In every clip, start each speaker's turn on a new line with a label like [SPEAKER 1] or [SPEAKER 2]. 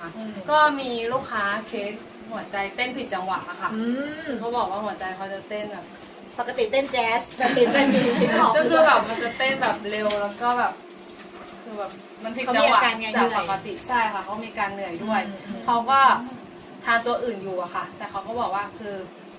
[SPEAKER 1] นะคะก็มีลูกค้าเคสหัวใจเต้นผิดจังหวะอะค่ะเขาบอกว่าหัวใจเขาจะเต้นแบบ
[SPEAKER 2] ปกติเต้นแจ๊สปกติเต้น
[SPEAKER 1] ก็คือแบบมันจะเต้นแบบเร็วแล้วก็แบบคือแบบมันผิดจังหวะจากปกติใช่ค่ะเขามีการเหนื่อยด้วยเขาก็ทานตัวอื่นอยู่อะค่ะแต่เขาก็บอกว่าคือ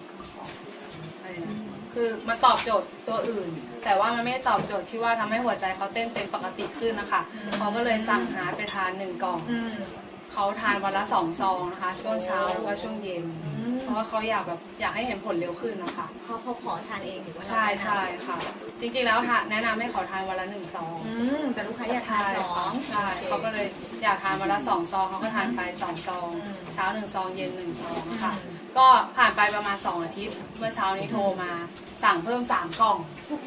[SPEAKER 1] มันตอบโจทย์ตัวอื่นแต่ว่ามันไม่ได้ตอบโจทย์ที่ว่าทำให้หัวใจเขาเต้นเป็นปกติขึ้นนะคะเขาก็เลยสั่งหาไปทาน1 กล่องเขาทานวันละ2 ซองนะคะช่วงเช้าแล้วก็ช่วงเย็นเพราะว่าเขาอยากให้เห็นผลเร็วขึ้นนะคะ
[SPEAKER 2] เขาขอทานเองหรือว่า
[SPEAKER 1] ใช่ค่ะจริงๆแล้วแนะนำให้เขาทานวันละ1 ซอง
[SPEAKER 2] แต่ลูกค้าอยากทาน2
[SPEAKER 1] ใช่เขาก็เลยอยากทานวันละ2 ซองเขาก็ทานไป2 ซองเช้า1 ซองเย็น1 ซองค่ะก็ผ่านไปประมาณ2 อาทิตย์เมื่อเช้านี้โทรมาสั่งเพิ่ม3 กล่อง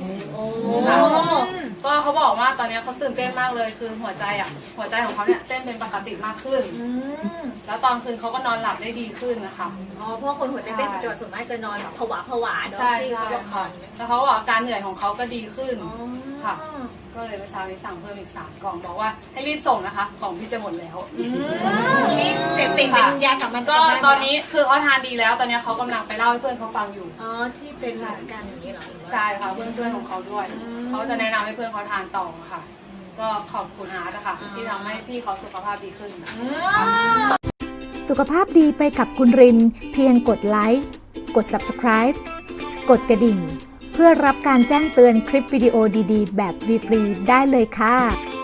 [SPEAKER 1] ก็เขาบอกว่าตอนนี้เขาตื่นเต้นมากเลยคือหัวใจของเขาเนี่ยเต้นเป็นปกติมากขึ้นแล้วตอนคืนเขาก็นอนหลับได้ดีขึ้นนะคะ
[SPEAKER 2] เพราะคนหัวใจเต้นปัจจุบันส่วนมากจะนอนแบบผวาเนาะ
[SPEAKER 1] ใช่ค่ะแล้วเขาบอกการเหนื่อยของเขาก็ดีขึ้นค่ะก็เลยเมื่อเช้านี้สั่งเพิ่มอีก3 กล่องบอกว่าให้รีบส่งนะคะของพี่จะหมดแล้ว
[SPEAKER 2] นี่เสพติดเป็นยาสามัญ
[SPEAKER 1] ก็ตอนนี้คือเขาทานดีแล้วตอนนี้เขากำลังไปเล่าให้เพื่อนเขาฟังอยู่
[SPEAKER 2] ที่เป็นเหมือนกันอย่างนี้เหรอ
[SPEAKER 1] ใช่ค่ะเพื่อนของเขาด้วยเขาจะแนะนำให้เพื่อนเขาทานต่อค่ะก็ขอบคุณอาร์ตนะคะที่ทำให้พี่เขาสุขภาพดีขึ้น
[SPEAKER 3] สุขภาพดีไปกับคุณรินเพียงกดไลค์กด Subscribe กดกระดิ่งเพื่อรับการแจ้งเตือนคลิปวิดีโอดีๆแบบฟรีๆได้เลยค่ะ